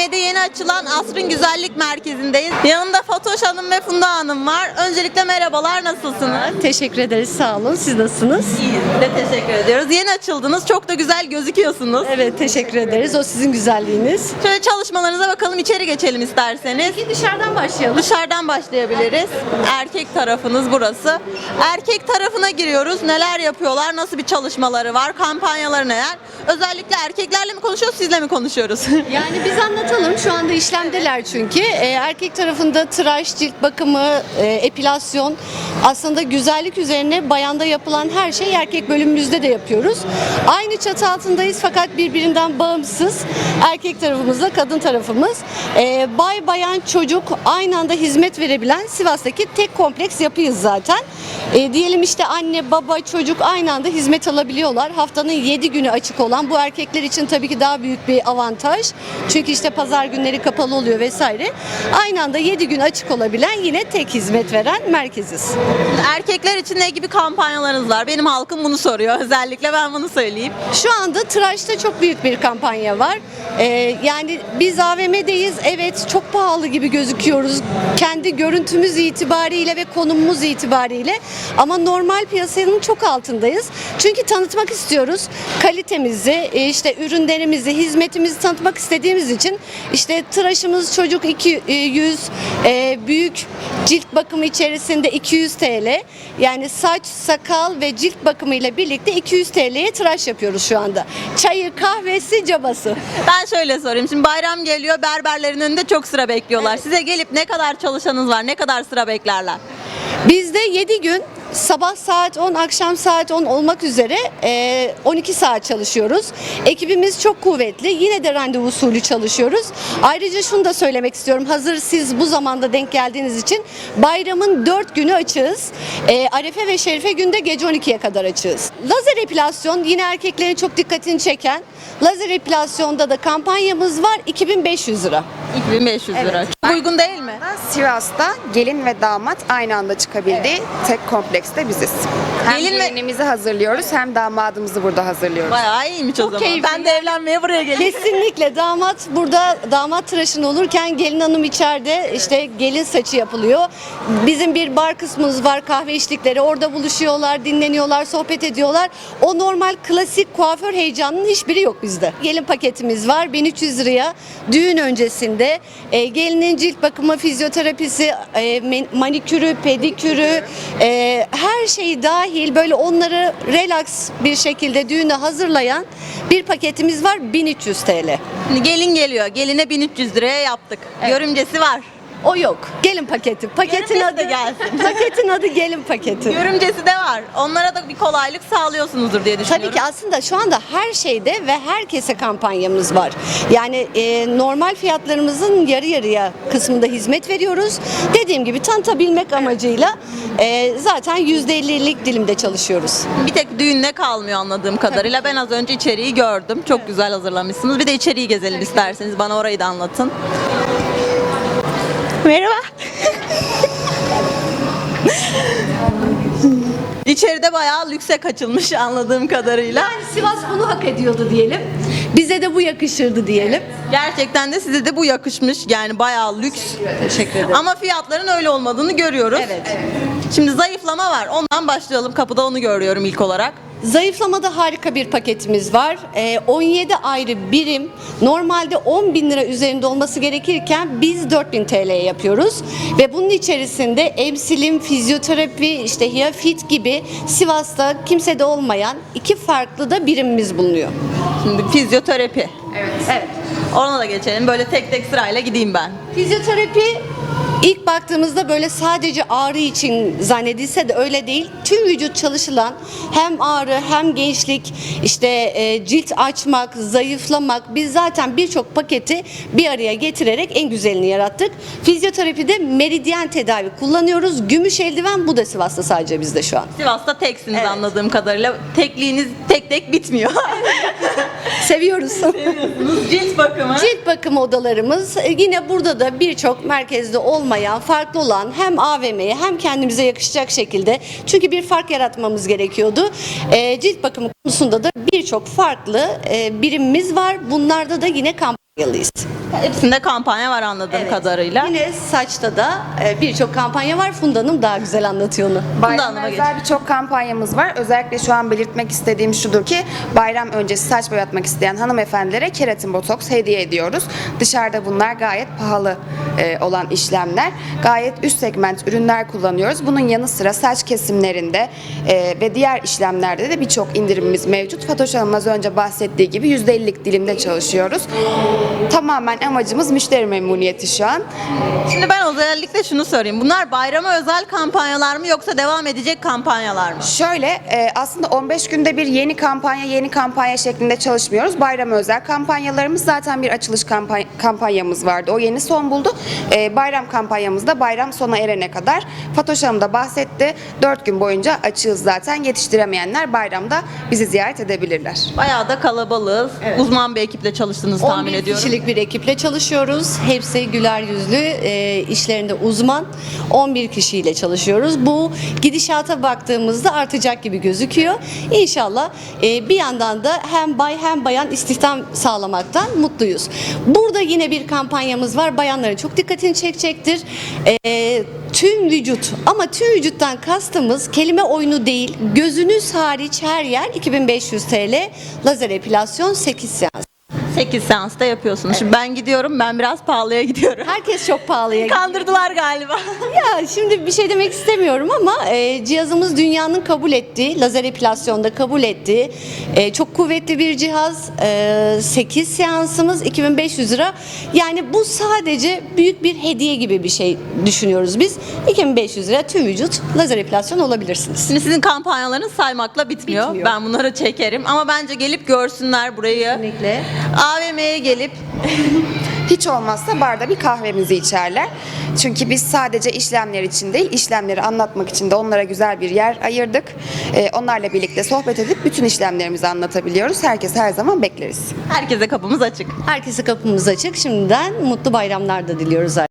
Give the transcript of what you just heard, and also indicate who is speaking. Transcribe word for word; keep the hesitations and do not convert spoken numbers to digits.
Speaker 1: A V M'de yeni açılan Asrın Güzellik Merkezi'ndeyiz. Yanımda Fatoş Hanım ve Funda Hanım var. Öncelikle merhabalar, nasılsınız?
Speaker 2: Teşekkür ederiz, sağ olun. Siz nasılsınız?
Speaker 1: İyiyiz, de teşekkür ediyoruz. Yeni açıldınız, çok da güzel gözüküyorsunuz.
Speaker 2: Evet, teşekkür ederiz. O sizin güzelliğiniz.
Speaker 1: Şöyle çalışmalarınıza bakalım, içeri geçelim isterseniz.
Speaker 2: Peki dışarıdan başlayalım.
Speaker 1: Dışarıdan başlayabiliriz. Erkek tarafınız burası. Erkek tarafına giriyoruz. Neler yapıyorlar? Nasıl bir çalışmaları var? Kampanyaları neler? Özellikle erkeklerle mi konuşuyoruz, sizle mi konuşuyoruz?
Speaker 2: Yani biz anlatalım. Şu anda işlemdeler çünkü. Ee, erkek tarafında tıraş, cilt bakımı, e, epilasyon. Aslında güzellik üzerine bayanda yapılan her şeyi erkek bölümümüzde de yapıyoruz. Aynı çatı altındayız fakat birbirinden bağımsız. Erkek tarafımızla kadın tarafımız. Ee, bay, bayan, çocuk aynı anda hizmet verebilen Sivas'taki tek kompleks yapıyız zaten. Ee, diyelim işte anne, baba, çocuk aynı anda hizmet alabiliyorlar. Haftanın yedi günü açık olan, bu erkekler için tabii ki daha büyük bir avantaj. Çünkü işte pazar günleri kapalı oluyor vesaire. Aynı anda yedi gün açık olabilen yine tek hizmet veren merkeziz.
Speaker 1: Erkekler için ne gibi kampanyalarınız var? Benim halkım bunu soruyor. Özellikle ben bunu söyleyeyim.
Speaker 2: Şu anda tıraşta çok büyük bir kampanya var. Ee, yani biz A V M'deyiz. Evet, çok pahalı gibi gözüküyoruz. Kendi görüntümüz itibariyle ve konumumuz itibariyle. Ama normal piyasanın çok altındayız. Çünkü tanıtmak istiyoruz. Kalitemizi, e, işte ürünlerimizi, hizmetimizi tanıtmak istediğimiz için işte tıraşımız çocuk iki yüz, e, büyük cilt bakımı içerisinde iki yüz T L. Yani saç, sakal ve cilt bakımı ile birlikte iki yüz T L'ye tıraş yapıyoruz şu anda. Çayı, kahvesi, cabası.
Speaker 1: Ben şöyle sorayım. Şimdi bayram geliyor. Berberlerin önünde çok sıra bekliyorlar.
Speaker 2: Evet.
Speaker 1: Size gelip ne kadar çalışanınız var? Ne kadar sıra beklerler?
Speaker 2: Bizde yedi gün sabah saat on, akşam saat on olmak üzere e, on iki saat çalışıyoruz. Ekibimiz çok kuvvetli. Yine de randevu usulü çalışıyoruz. Ayrıca şunu da söylemek istiyorum. Hazır siz bu zamanda denk geldiğiniz için bayramın dört günü açığız. E, Arefe ve Şerife günde gece on ikiye kadar açığız. Lazer epilasyon yine erkeklerin çok dikkatini çeken. Lazer epilasyonda da kampanyamız var. iki bin beş yüz lira.
Speaker 1: iki bin beş yüz lira.
Speaker 2: Evet.
Speaker 1: Çok uygun değil mi?
Speaker 3: Sivas'ta gelin ve damat aynı anda çıkabildiği tek komplekste biziz. Hem
Speaker 1: Gelin ve-
Speaker 3: gelinimizi hazırlıyoruz hem damadımızı burada hazırlıyoruz.
Speaker 1: Bayağı iyiymiş o
Speaker 2: Çok
Speaker 1: zaman.
Speaker 2: keyifli.
Speaker 1: Ben de evlenmeye buraya geleyim.
Speaker 2: Kesinlikle damat burada, damat tıraşını olurken gelin hanım içeride, işte gelin saçı yapılıyor. Bizim bir bar kısmımız var, kahve içtikleri, orada buluşuyorlar, dinleniyorlar, sohbet ediyorlar. O normal klasik kuaför heyecanının hiçbiri yok bizde. Gelin paketimiz var bin üç yüz liraya düğün öncesinde e, gelinin cilt bakımı, fizyoterapisi, e, manikürü, pedikürü, e, her şeyi dahil böyle onları relax bir şekilde düğüne hazırlayan bir paketimiz var bin üç yüz T L.
Speaker 1: Şimdi gelin geliyor. Geline bin üç yüz liraya yaptık. Görümcesi var.
Speaker 2: O yok. Gelin paketi. Paketin
Speaker 1: Görümcesi
Speaker 2: adı
Speaker 1: de gelsin.
Speaker 2: Paketin adı gelin paketi.
Speaker 1: Görümcesi de var. Onlara da bir kolaylık sağlıyorsunuzdur diye düşünüyorum.
Speaker 2: Tabii ki aslında şu anda her şeyde ve herkese kampanyamız var. Yani e, normal fiyatlarımızın yarı yarıya kısmında hizmet veriyoruz. Dediğim gibi tanıtabilmek amacıyla e, zaten yüzde ellilik dilimde çalışıyoruz.
Speaker 1: Bir tek düğünde kalmıyor anladığım kadarıyla. Ben az önce içeriği gördüm. Çok güzel hazırlamışsınız. Bir de içeriği gezelim isterseniz. Bana orayı da anlatın. Merhaba. İçeride bayağı lükse kaçılmış anladığım kadarıyla.
Speaker 2: Yani Sivas bunu hak ediyordu diyelim. Bize de bu yakışırdı diyelim.
Speaker 1: Gerçekten de size de bu yakışmış. Yani bayağı lüks.
Speaker 2: Teşekkür ederim.
Speaker 1: Ama fiyatların öyle olmadığını görüyoruz.
Speaker 2: Evet.
Speaker 1: Şimdi zayıflama var. Ondan başlayalım. Kapıda onu görüyorum ilk olarak.
Speaker 2: Zayıflamada harika bir paketimiz var. Ee, on yedi ayrı birim. Normalde on bin lira üzerinde olması gerekirken biz dört bin T L'ye yapıyoruz. Ve bunun içerisinde emsilim, fizyoterapi, işte hiyafit gibi Sivas'ta kimsede olmayan iki farklı da birimimiz bulunuyor.
Speaker 1: Şimdi fizyoterapi.
Speaker 2: Evet.
Speaker 1: Ona da geçelim. Böyle tek tek sırayla gideyim ben.
Speaker 2: Fizyoterapi ilk baktığımızda böyle sadece ağrı için zannedilse de öyle değil. Tüm vücut çalışılan hem ağrı hem gençlik, işte e, cilt açmak, zayıflamak, biz zaten birçok paketi bir araya getirerek en güzelini yarattık. Fizyoterapide meridyen tedavi kullanıyoruz. Gümüş eldiven, bu da Sivas'ta sadece bizde şu an.
Speaker 1: Sivas'ta teksiniz
Speaker 2: Evet.
Speaker 1: anladığım kadarıyla. Tekliğiniz tek tek bitmiyor.
Speaker 2: Seviyoruz.
Speaker 1: Seviyorsunuz. Cilt bakımı.
Speaker 2: Cilt bakım odalarımız e, yine burada da birçok merkezde olmayan, farklı olan hem A V M'ye hem kendimize yakışacak şekilde, çünkü bir fark yaratmamız gerekiyordu. E, cilt bakımı konusunda da birçok farklı e, birimimiz var. Bunlarda da yine kamp yılıyız.
Speaker 1: Hepsinde kampanya var anladığım
Speaker 2: Evet.
Speaker 1: kadarıyla.
Speaker 2: Yine saçta da e, birçok kampanya var. Funda Hanım daha güzel anlatıyor onu.
Speaker 3: Bayrama
Speaker 1: Hanım'a
Speaker 3: özel birçok kampanyamız var. Özellikle şu an belirtmek istediğim şudur ki bayram öncesi saç boyatmak isteyen hanımefendilere keratin botoks hediye ediyoruz. Dışarıda bunlar gayet pahalı e, olan işlemler. Gayet üst segment ürünler kullanıyoruz. Bunun yanı sıra saç kesimlerinde e, ve diğer işlemlerde de birçok indirimimiz mevcut. Fatoş Hanım az önce bahsettiği gibi yüzde ellilik dilimde çalışıyoruz. Tamamen amacımız müşteri memnuniyeti şu an.
Speaker 1: Şimdi ben özellikle şunu sorayım. Bunlar bayrama özel kampanyalar mı yoksa devam edecek kampanyalar mı?
Speaker 3: Şöyle e, aslında on beş günde bir yeni kampanya yeni kampanya şeklinde çalışmıyoruz. Bayram özel kampanyalarımız zaten bir açılış kampanya, kampanyamız vardı. O yeni son buldu. E, bayram kampanyamız da bayram sona erene kadar. Fatoş Hanım da bahsetti. dört gün boyunca açığız zaten. Yetiştiremeyenler bayramda bizi ziyaret edebilirler.
Speaker 1: Bayağı da kalabalığız. Uzman bir ekiple çalıştığınızı tahmin
Speaker 2: on bir
Speaker 1: ediyorum.
Speaker 2: kişilik bir ekiple çalışıyoruz. Hepsi güler yüzlü, e, işlerinde uzman. on bir kişiyle çalışıyoruz. Bu gidişata baktığımızda artacak gibi gözüküyor. İnşallah e, bir yandan da hem bay hem bayan istihdam sağlamaktan mutluyuz. Burada yine bir kampanyamız var. Bayanların çok dikkatini çekecektir. E, tüm vücut ama tüm vücuttan kastımız kelime oyunu değil. Gözünüz hariç her yer iki bin beş yüz TL lazer epilasyon sekiz seans.
Speaker 1: sekiz seansta yapıyorsunuz. Şimdi ben gidiyorum. Ben biraz pahalıya gidiyorum.
Speaker 2: Herkes çok pahalıya gidiyor.
Speaker 1: Kandırdılar galiba.
Speaker 2: Ya şimdi bir şey demek istemiyorum ama e, cihazımız dünyanın kabul ettiği, lazer epilasyonda kabul ettiği e, çok kuvvetli bir cihaz. E, sekiz seansımız iki bin beş yüz lira. Yani bu sadece büyük bir hediye gibi bir şey düşünüyoruz biz. iki bin beş yüz lira tüm vücut lazer epilasyon olabilirsiniz.
Speaker 1: Şimdi sizin kampanyalarınız saymakla bitmiyor.
Speaker 2: Bitmiyor.
Speaker 1: Ben bunları çekerim ama bence gelip görsünler burayı.
Speaker 2: Kesinlikle.
Speaker 1: A V M'ye gelip
Speaker 3: Hiç olmazsa barda bir kahvemizi içerler. Çünkü biz sadece işlemler için değil, işlemleri anlatmak için de onlara güzel bir yer ayırdık. Ee, onlarla birlikte sohbet edip bütün işlemlerimizi anlatabiliyoruz. Herkes her zaman bekleriz.
Speaker 1: herkese kapımız açık.
Speaker 2: Herkese kapımız açık. Şimdiden mutlu bayramlar da diliyoruz.